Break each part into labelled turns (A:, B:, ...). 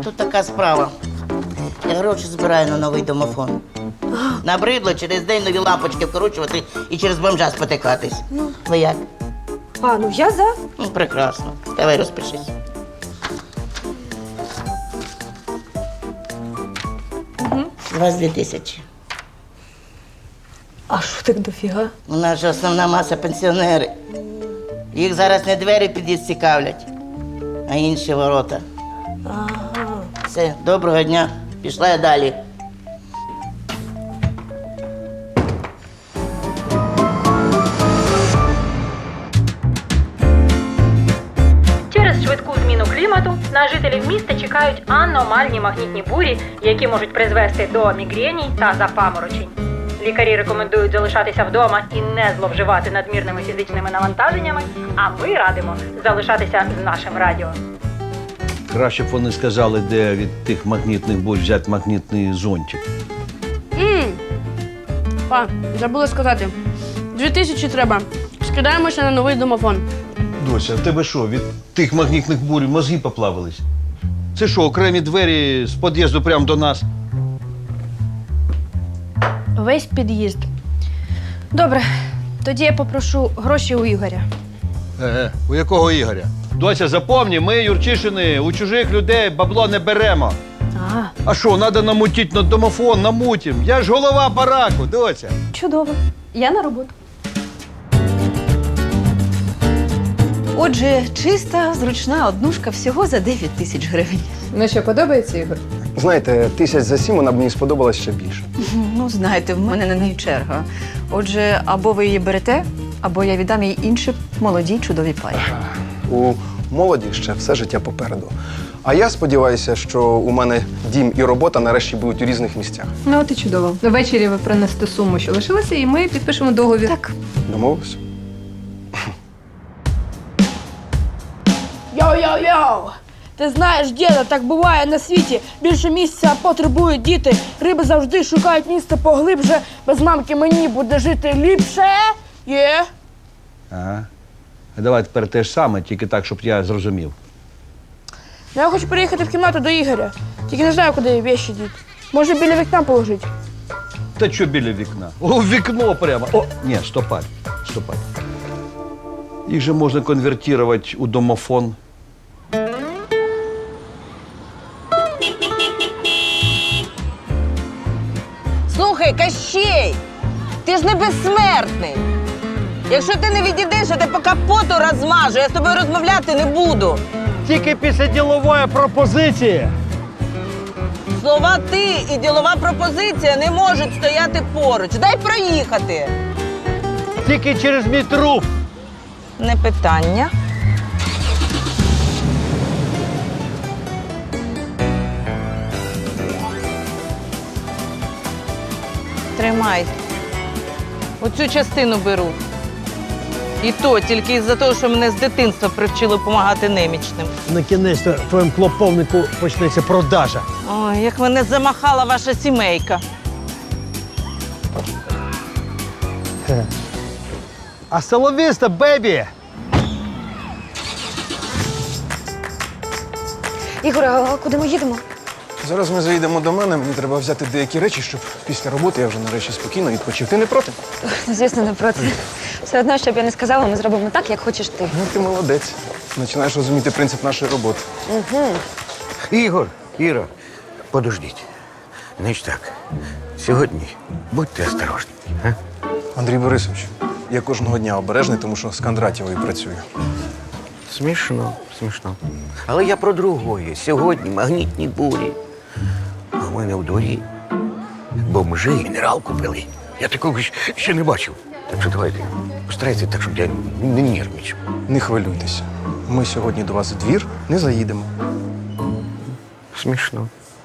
A: тут така справа. Я гроші збираю на новий домофон. Набридло через день нові лампочки вкручувати і через бомжа спотикатись. Ви як?
B: Ну я за.
A: Ну, прекрасно. Давай розпишись.
B: Угу.
A: 22 тисячі.
B: А що так дофіга?
A: У нас же основна маса пенсіонери. Їх зараз не двері під'їзд цікавлять, а інші ворота.
B: Ага.
A: Все, доброго дня. Пішла я далі.
C: Через швидку зміну клімату на жителів міста чекають аномальні магнітні бурі, які можуть призвести до мігрені та запаморочень. Лікарі рекомендують залишатися вдома і не зловживати надмірними фізичними навантаженнями, а ми радимо залишатися з нашим радіо.
D: Краще б вони сказали, де від тих магнітних бурь взяти магнітний зонтик.
E: Па, забула сказати. 2000 треба. Скидаємося на новий домофон.
D: Дося, в тебе що, від тих магнітних бурь мозги поплавились? Це що, окремі двері з під'їзду прямо до нас?
E: Весь під'їзд. Добре, тоді я попрошу гроші у Ігоря.
D: У якого Ігоря? Дося, запомні, ми, Юрчишини, у чужих людей бабло не беремо. А що, треба намутити на домофон, намутім. Я ж голова бараку, Дося.
B: Чудово. Я на роботу.
F: Отже, чиста, зручна однушка всього за 9 тисяч гривень.
G: Ну що, подобається, Ігор?
H: Знаєте, 1000 за 7 вона б мені сподобалась ще більше.
F: Ну, знаєте, в мене на неї черга. Отже, або ви її берете, або я віддам їй іншій молодій чудовій парі.
H: У молоді ще все життя попереду. А я сподіваюся, що у мене дім і робота нарешті будуть у різних місцях.
G: Ну, от і чудово. Ввечері ви принесете суму, що лишилася, і ми підпишемо договір.
F: Так.
H: Домовились?
B: Йоу-йоу-йоу! Ти знаєш, діда, так буває на світі. Більше місця потребують діти. Риби завжди шукають місце поглибше. Без мамки мені буде жити ліпше. Є?
D: Ага. Давай тепер те ж саме, тільки так, щоб я зрозумів.
B: Я хочу переїхати в кімнату до Ігоря. Тільки не знаю, куди вещі діти. Може, біля вікна положити?
D: Та що біля вікна? О, вікно прямо. О, ні, стопай. Їх же можна конвертувати у домофон.
I: Слухай, Кащей, ти ж не безсмертний. Якщо ти не відійдеш, я тебе по капоту розмажу, я з тобою розмовляти не буду.
J: Тільки після ділової пропозиції.
I: Слова «ти» і ділова пропозиція не можуть стояти поруч. Дай проїхати.
J: Тільки через мій труп.
I: Не питання. Тримай. Оцю частину беру. І то тільки із-за того, що мене з дитинства привчили допомагати немічним.
J: На кінець в твоєму клоповнику почнеться продажа.
I: Ой, як мене замахала ваша сімейка.
J: А соловіста, бебі!
B: Ігор, а куди ми їдемо?
H: Зараз ми заїдемо до мене, мені треба взяти деякі речі, щоб після роботи я вже нарешті спокійно відпочив. Ти не проти?
B: Звісно, не проти. Все одно, щоб я не сказала, ми зробимо так, як хочеш ти.
H: Ну, ти молодець. Починаєш розуміти принцип нашої роботи.
K: Ігор, Іра, подождіть. Значить так, сьогодні будьте осторожні. А?
H: Андрій Борисович, я кожного дня обережний, тому що з Кондратєвою працюю.
K: Смішно. Але я про другое. Сьогодні магнітні бурі. А в мене в дворі бомжи генералку пили. Я такого ще не бачив. Так що давайте, постарайтеся так, щоб я не нервничав.
H: Не хвилюйтеся. Ми сьогодні до вас в двір не заїдемо.
K: Смішно.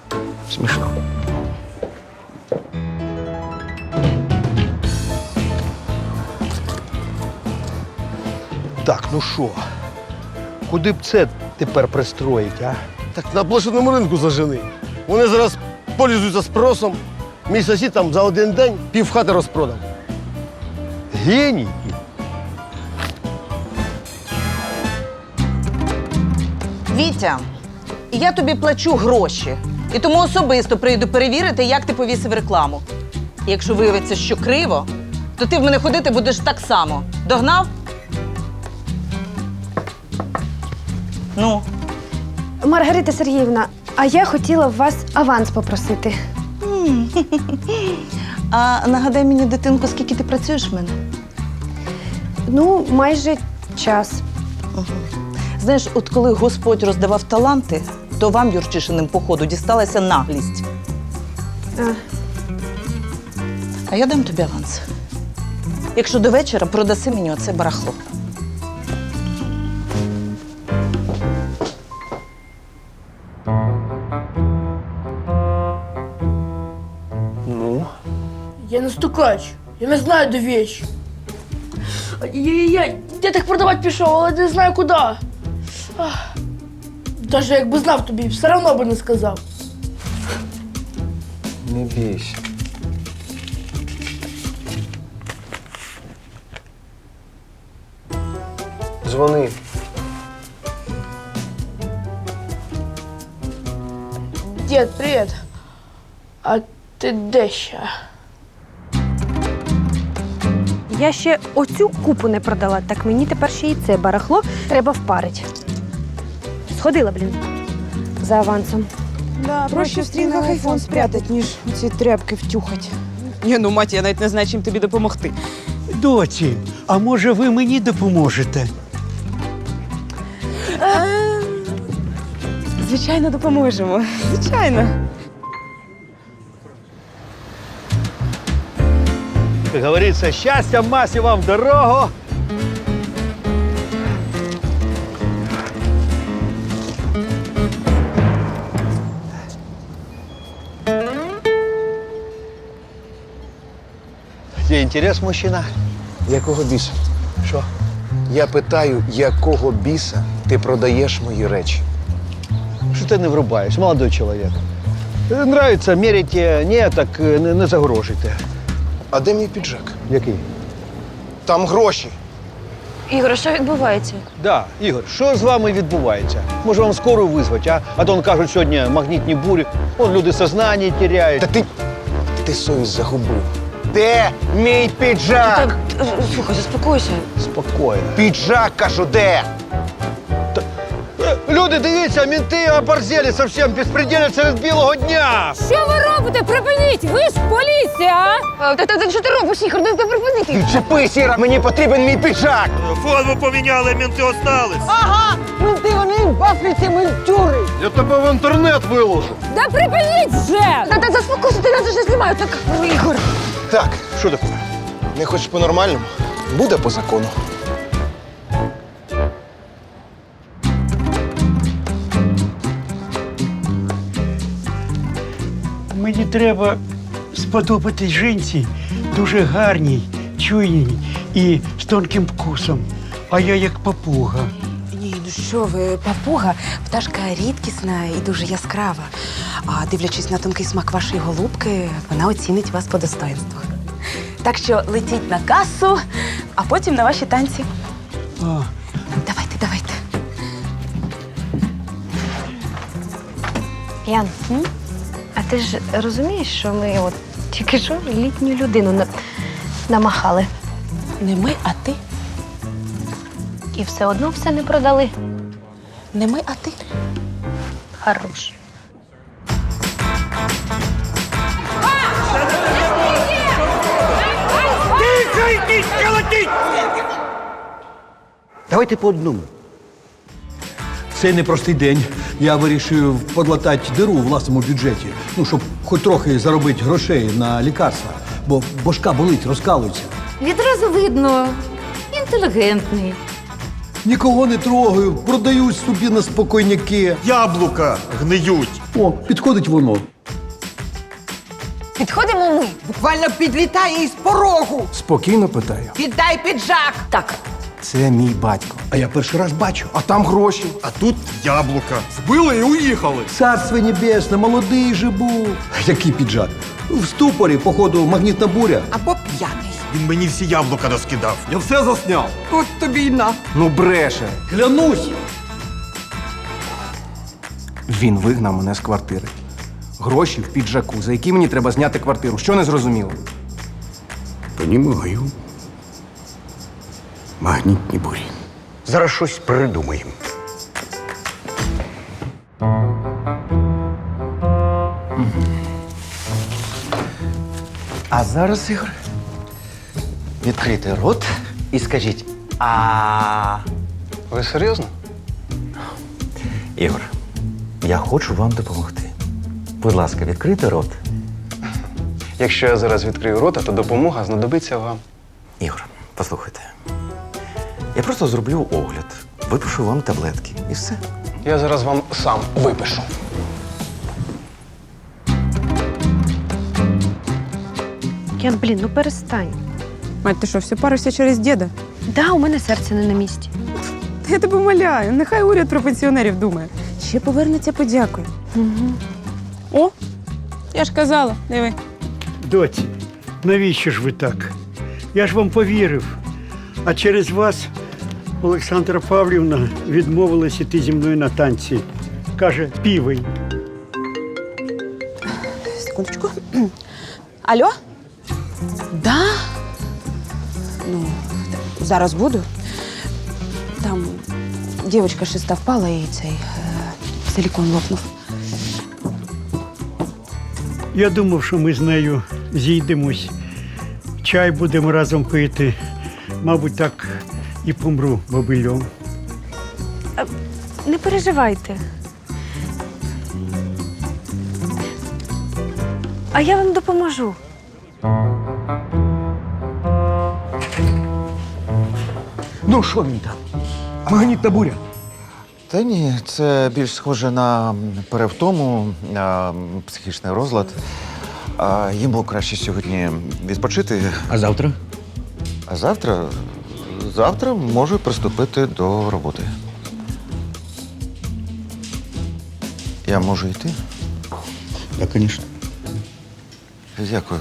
J: Так, ну що? Куди б це тепер пристроїть, а?
L: Так на блошиному ринку зажени. Вони зараз пользуються спросом. Мій сусід там за один день півхати розпродав.
J: Геній!
I: Вітя, я тобі плачу гроші. І тому особисто прийду перевірити, як ти повісив рекламу. І якщо виявиться, що криво, то ти в мене ходити будеш так само. Догнав? Ну,
E: Маргарита Сергіївна, а я хотіла в вас аванс попросити.
I: а нагадай мені, дитинку, скільки ти працюєш в мене?
E: Ну, майже час.
I: Знаєш, от коли Господь роздавав таланти, то вам, Юрчишиним, походу, дісталася наглість. А я дам тобі аванс. Якщо до вечора продаси мені оце барахло.
L: Ну?
B: Я не стукач. Я не знаю, де вещи. Я так продавати пішов, але не знаю куди. Даже якби знав тобі, все одно би не сказав.
H: Не бійся. Дзвони.
B: Дід, привіт. А ти де ще?
E: Я ще оцю купу не продала, так мені тепер ще і це барахло треба впарити. Сходила, блін, за авансом.
M: Да, проще в стрінгах айфон спрятать, ніж ці тряпки втюхать. Ні, ну, мать, я навіть не знаю, чим тобі допомогти.
J: Доці, а може ви мені допоможете?
M: Звичайно, допоможемо. Звичайно.
D: Как говорится, счастья, массе вам в дорогу. Где интерес, мужчина?
H: Якого біса?
D: Що?
H: Я питаю, якого біса ти продаєш мої речі?
D: Что ты не врубаешь, молодой человек? Нравится, мерите, ні, так не загрожуйте.
H: А де мій піджак?
D: Який?
H: Там гроші.
E: Ігор, що відбувається?
D: Да, Ігор, що з вами відбувається? Може вам скору визвати, а? А то он кажуть, сьогодні магнітні бурі, он люди сознання теряють.
H: Та ти совість загубив. Де мій піджак?
M: Слухай, заспокойся.
D: Спокійно.
H: Піджак, кажу, де?
D: Люди, дивіться, менти оборзели совсем, безпредельно серед білого дня.
C: Що ви робите? Припиніть! Ви ж поліція!
M: Що ти робиш, Ігор? Не припинити.
H: Відчепи, Сіра, мені потрібен мій піджак.
L: Форму поміняли, менти остались.
I: Ага! Менти, вони в Африці ментюри!
L: Я тебе в інтернет виложу.
C: Да припиніть вже!
M: Та заспокойся, ти нас вже знімають. Так, Ігор.
H: Так,
D: Що таке?
H: не хочеш по-нормальному? Буде по закону.
J: Мені треба сподобатись жінці дуже гарній, чуйній і з тонким вкусом. А я як папуга.
M: Ні, ну що ви, папуга, пташка рідкісна і дуже яскрава. А дивлячись на тонкий смак вашої голубки, вона оцінить вас по достоинству. Так що летіть на касу, а потім на ваші танці.
J: А,
M: Давайте.
E: Ян, а ти ж розумієш, що ми от тільки що літню людину намахали.
M: Не ми, а ти.
E: І все одно все не продали.
M: Не ми, а ти.
E: Хорош.
D: Давайте по одному. Цей непростий день. Я вирішив подлатати диру у власному бюджеті. Ну, щоб хоч трохи заробити грошей на лікарства. Бо башка болить, розкалується.
C: Відразу видно, інтелігентний.
D: Нікого не трогаю, продають собі на спокійняки.
L: Яблука гниють.
D: О, підходить воно.
I: Підходимо ми. Буквально підлітає із порогу.
H: Спокійно питаю.
I: Віддай піджак.
C: Так,
H: Це мій батько.
D: А я перший раз бачу.
H: А там гроші.
L: А тут яблука. Збили і уїхали.
D: Царство небесне, молодий же був. Який піджак? В ступорі, походу, магнітна буря.
I: Або п'яний.
L: Він мені всі яблука розкидав. Я все засняв.
I: От тобі й на.
H: Ну бреше.
D: Клянусь!
H: Він вигнав мене з квартири. Гроші в піджаку, за які мені треба зняти квартиру. Що не зрозуміло?
K: Понімаю. Магнітні бурі. Зараз щось придумаємо.
N: А зараз, Ігор, відкрийте рот і скажіть а.
H: Ви серйозно?
N: Ігор, я хочу вам допомогти. Будь ласка, відкрийте рот.
H: Якщо я зараз відкрию рота, то допомога знадобиться вам.
N: Ігор, послухайте. Я просто зроблю огляд, випишу вам таблетки і все.
H: Я зараз вам сам випишу.
E: Ян, блін, ну перестань.
M: Мать, ти що, все паришся через діда?
E: Да, у мене серце не на місці.
M: Я тебе умоляю, нехай уряд про пенсіонерів думає. Ще повернеться, подякує.
E: Угу.
M: О, я ж казала, диви.
J: Доці, навіщо ж ви так? Я ж вам повірив. А через вас Олександра Павлівна відмовилась іти зі мною на танці. Каже, півень.
M: Секундочку. Алло? Да? Ну, зараз буду. Там дівчинка шеста впала і цей силікон лопнув.
J: Я думав, що ми з нею зійдемось. Чай будемо разом пити. Мабуть, так і помру бобильом.
E: Не переживайте. А я вам допоможу.
K: Ну, що він там? Магнітна буря.
O: Та ні, це більш схоже на перевтому, психічний розлад. Йому краще сьогодні відпочити.
K: А завтра?
O: А завтра? Завтра можу приступити до роботи. Я можу йти?
K: Так, звісно.
O: Дякую.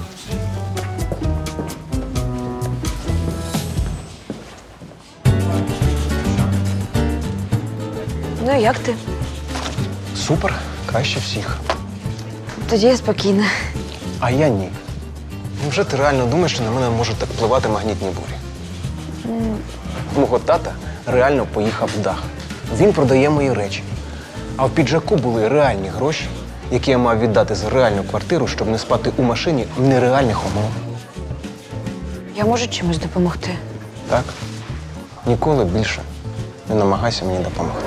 E: Ну, як ти?
H: Супер, краще всіх.
E: Тоді я спокійна.
H: А я ні. Невже ти реально думаєш, що на мене можуть так впливати магнітні бурі? Мого тата реально поїхав в дах. Він продає мої речі. А в піджаку були реальні гроші, які я мав віддати за реальну квартиру, щоб не спати у машині в нереальних умовах.
E: Я можу чимось допомогти?
H: Так? Ніколи більше не намагайся мені допомогти.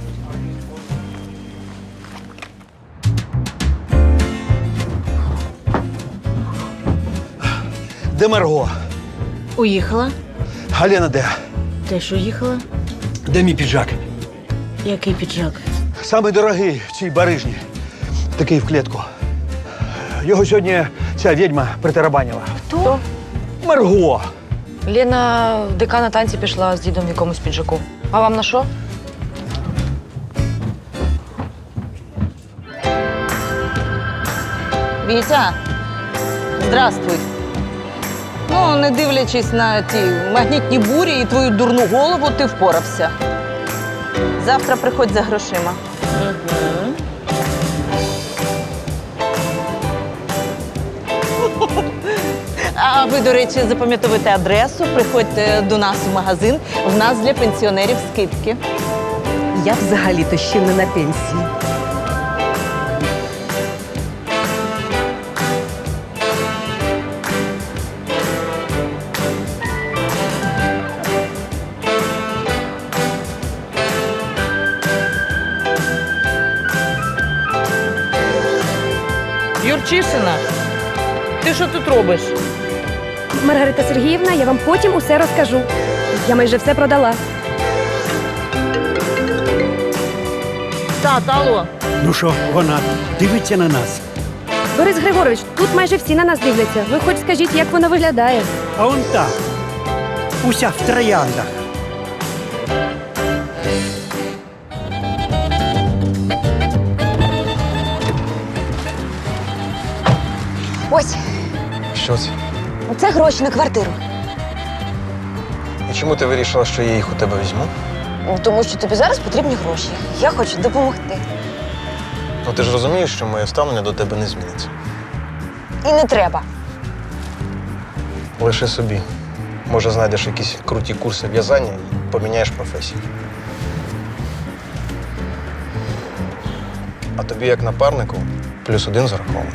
D: Де Марго?
A: Уїхала?
D: А Лена де?
A: Теж уїхала?
D: Де мій піджак?
A: Який піджак?
D: Самий дорогий в цій барижні. Такий в клітку. Його сьогодні ця відьма притарабанила.
E: Хто?
D: Марго!
B: Лена в ДК на танці пішла з дідом в якомусь піджаку. А вам на що?
I: Вітя, здравствуй. Ну, не дивлячись на ті магнітні бурі і твою дурну голову, ти впорався. Завтра приходь за грошима. А ви, до речі, запам'ятовуйте адресу, приходьте до нас в магазин. В нас для пенсіонерів скидки.
P: Я взагалі-то ще не на пенсії.
I: Юрчишина, ти що тут робиш?
E: Маргарита Сергіївна, я вам потім усе розкажу. Я майже все продала.
I: Тат, алло.
J: Ну що, вона дивиться на нас.
E: Борис Григорович, тут майже всі на нас дивляться. Ви хоч скажіть, як вона виглядає.
J: А он так. Уся в трояндах.
M: Ось,
H: Що це?
M: це гроші на квартиру.
H: І чому ти вирішила, що я їх у тебе візьму?
M: Тому що тобі зараз потрібні гроші. Я хочу допомогти.
H: Ну ти ж розумієш, що моє ставлення до тебе не зміниться.
E: І не треба.
H: Лише собі. Може, знайдеш якісь круті курси в'язання і поміняєш професію. А тобі, як напарнику, +1 зарахований.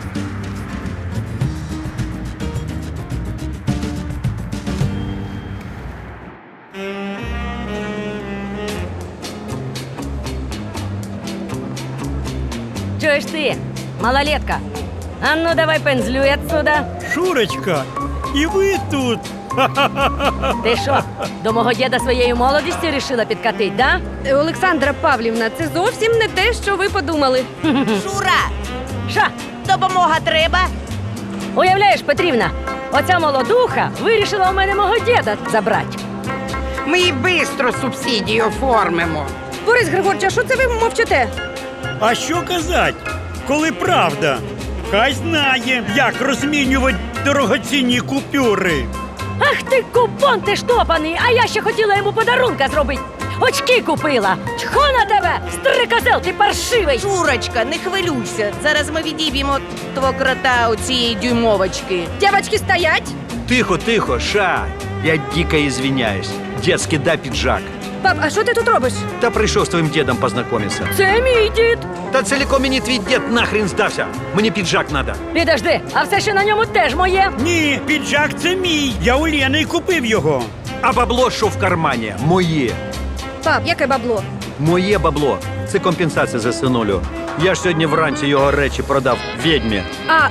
Q: Чуєш ти, малолетка? А ну давай пензлюй отсюда.
J: Шурочка, і ви тут.
Q: Ти що, до мого діда своєю молодістю рішила підкатить, да?
E: Олександра Павлівна, це зовсім не те, що ви подумали.
Q: Шура! Що, допомога треба? Уявляєш, Петрівна, оця молодуха вирішила у мене мого діда забрати.
R: Ми і бистро субсидії оформимо.
E: Борис Григорович, а що це ви мовчите?
J: А що казать, коли правда? Хай знає, як розмінювати дорогоцінні купюри.
Q: Ах ти, купон ти штопаний, а я ще хотіла йому подарунка зробити. Очки купила. Чхо на тебе, стрикозел, ти паршивий.
M: Шурочка, не хвилюйся. Зараз ми відіб'ємо твого крота у цієї дюймовочки.
E: Дівочки, стоять!
S: Тихо, тихо, Ша. Я дико извиняюсь. Детский, да, пиджак.
E: Пап, а що ти тут робиш?
S: Да пришел с твоим дедом познакомиться.
Q: Це мій дід.
S: Да целиком и не твій дед нахрен здався. Мне пиджак надо.
Q: Підожди, а все, що на ньому, теж моє.
J: Ні, піджак це мій. Я у Лени купив його.
S: А бабло, що в кармані, моє.
E: Пап, яке бабло?
S: Моє бабло. Це компенсація за синулю. Я ж сьогодні вранці його речі продав відьмі.
E: А,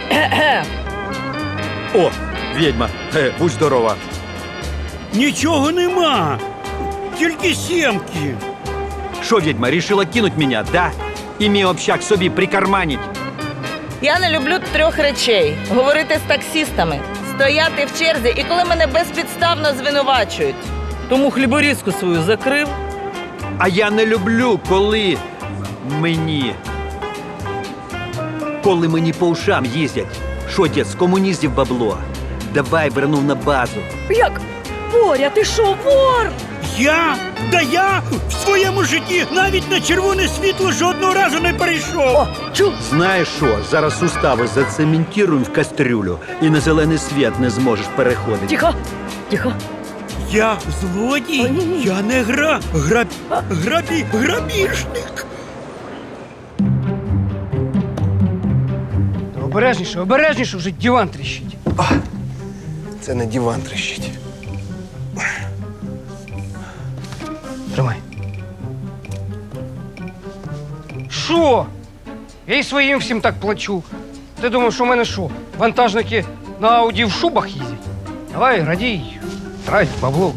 S: О, відьма, будь здорова.
J: Нічого нема. Тільки сімки.
S: Що, відьма, рішила кинуть мене, да? І мій общак собі прикарманить.
I: Я не люблю 3 речей: говорити з таксістами, стояти в черзі і коли мене безпідставно звинувачують. Тому хліборізку свою закрив.
S: А я не люблю, коли мені по ушам їздять. Що, дід, з комуністів бабло? Давай вернув на базу.
Q: Як? Боря, ти що, вор?
J: Я? Да я в своєму житті навіть на червоне світло жодного разу не перейшов.
S: Знаєш що, зараз сустави зацементуємо в кастрюлю і на зелений світ не зможеш переходити.
Q: Тихо, тихо.
J: Я злодій? Я не грабіжник.
R: Обережніше, обережніше, вже диван тріщить.
H: Це не диван тріщить.
R: Тримай. Що? Я і своїм всім так плачу. Ти думав, що в мене що? Вантажники на Ауді в шубах їздять? Давай, радій, трать бабло.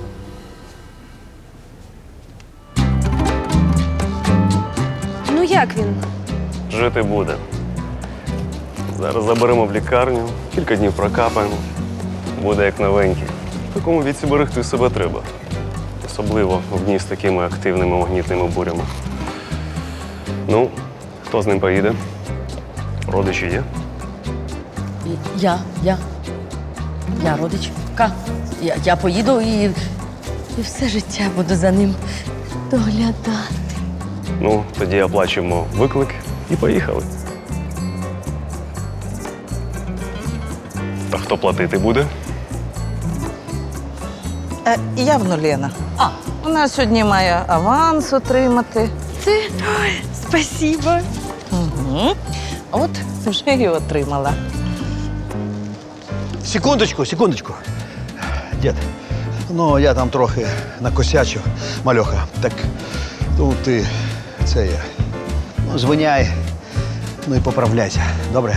E: ну як він?
T: Жити буде. Зараз заберемо в лікарню, кілька днів прокапаємо. Буде як новенький. В такому віці берегти себе треба. Особливо в дні з такими активними магнітними бурями. Ну, хто з ним поїде? Родичі є?
Q: Я родичка. Я поїду і все життя буду за ним доглядати.
T: Ну, тоді оплачуємо виклик і поїхали. А хто платити буде?
I: Явно Лена. Вона сьогодні має аванс отримати.
E: Ти? Ой, спасибо.
I: Угу. От вже і отримала.
D: Секундочку. Дід, ну я там трохи накосячив, мальоха. Так тут ти це я. Ну, звиняй, ну і поправляйся. Добре?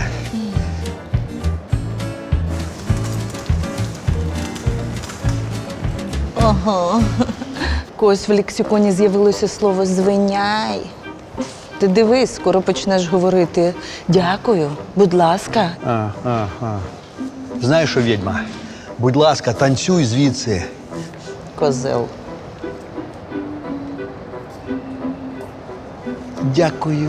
I: Ага. Когось в лексиконі з'явилося слово «звиняй». Ти дивись, скоро почнеш говорити «дякую», «будь ласка».
D: Знаєш що, відьма? Будь ласка, танцюй звідси.
I: Козел.
D: Дякую.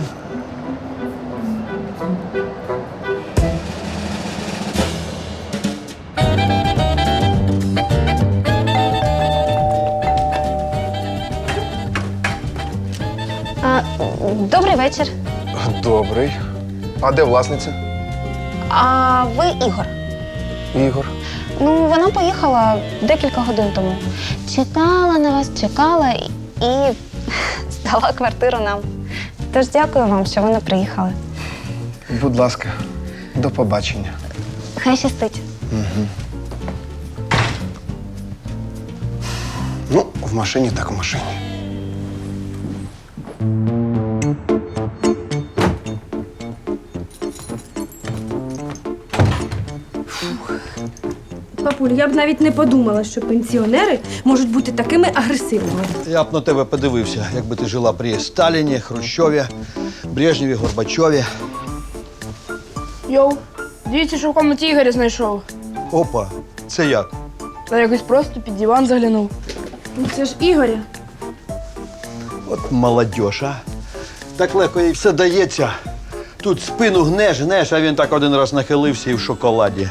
E: Добрий вечір.
H: Добрий. А де власниця?
U: А ви Ігор?
H: Ігор.
U: Ну, вона поїхала декілька годин тому. Чекала на вас, чекала і здала квартиру нам. Тож дякую вам, що ви не приїхали.
H: Будь ласка, до побачення.
U: Хай щастить.
H: Угу. Ну, в машині так в машині.
E: Папуль, я б навіть не подумала, що пенсіонери можуть бути такими агресивними.
D: Я б на тебе подивився, якби ти жила при Сталіні, Хрущові, Брежнєві, Горбачові.
B: Йоу, дивіться, що в комнаті Ігоря знайшов.
D: Опа, це як?
B: Та якось просто під диван заглянув.
E: Ну це ж Ігоря.
D: От молодь, а. Так легко їй все дається. Тут спину гнеш, а він так один раз нахилився і в шоколаді.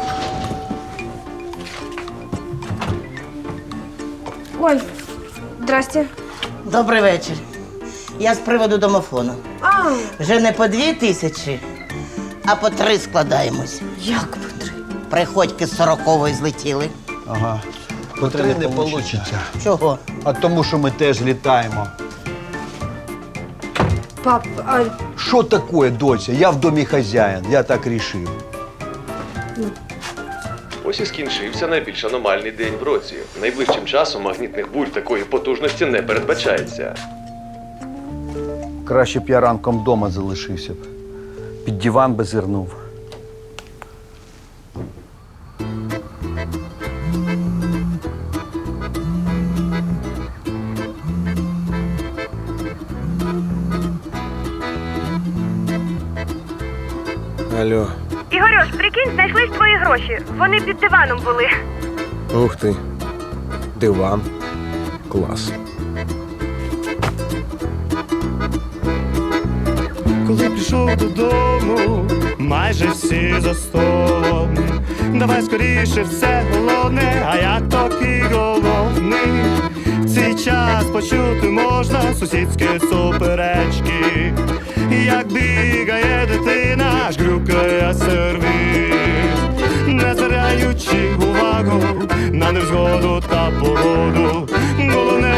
E: Ой, здрасте.
A: Добрий вечір. Я з приводу домофону. Вже не по 2000, а по 3 складаємось.
E: Як по 3?
A: Приходьки з 40-ї злетіли.
D: Ага. По 3 не вийде.
A: Чого?
D: А тому, що ми теж літаємо.
E: Пап, а
D: Що таке, доця? Я в домі хазяїн, я так рішив.
T: Ось і скінчився найбільш аномальний день в році. Найближчим часом магнітних бурь такої потужності не передбачається.
D: Краще б я ранком вдома залишився б. Під диван би зирнув.
H: Алло.
V: Ігорюш, прикинь, знайшлись твої гроші. Вони під диваном були.
H: Ух ти. Диван. Клас.
W: Коли прийшов додому, майже всі за столом. Давай скоріше все головне, а я такий голодний. В цей час почути можна сусідські суперечки. Як бігає дитина, аж грюкає сервіс. Не звертаючи увагу на невзгоду та погоду. Головне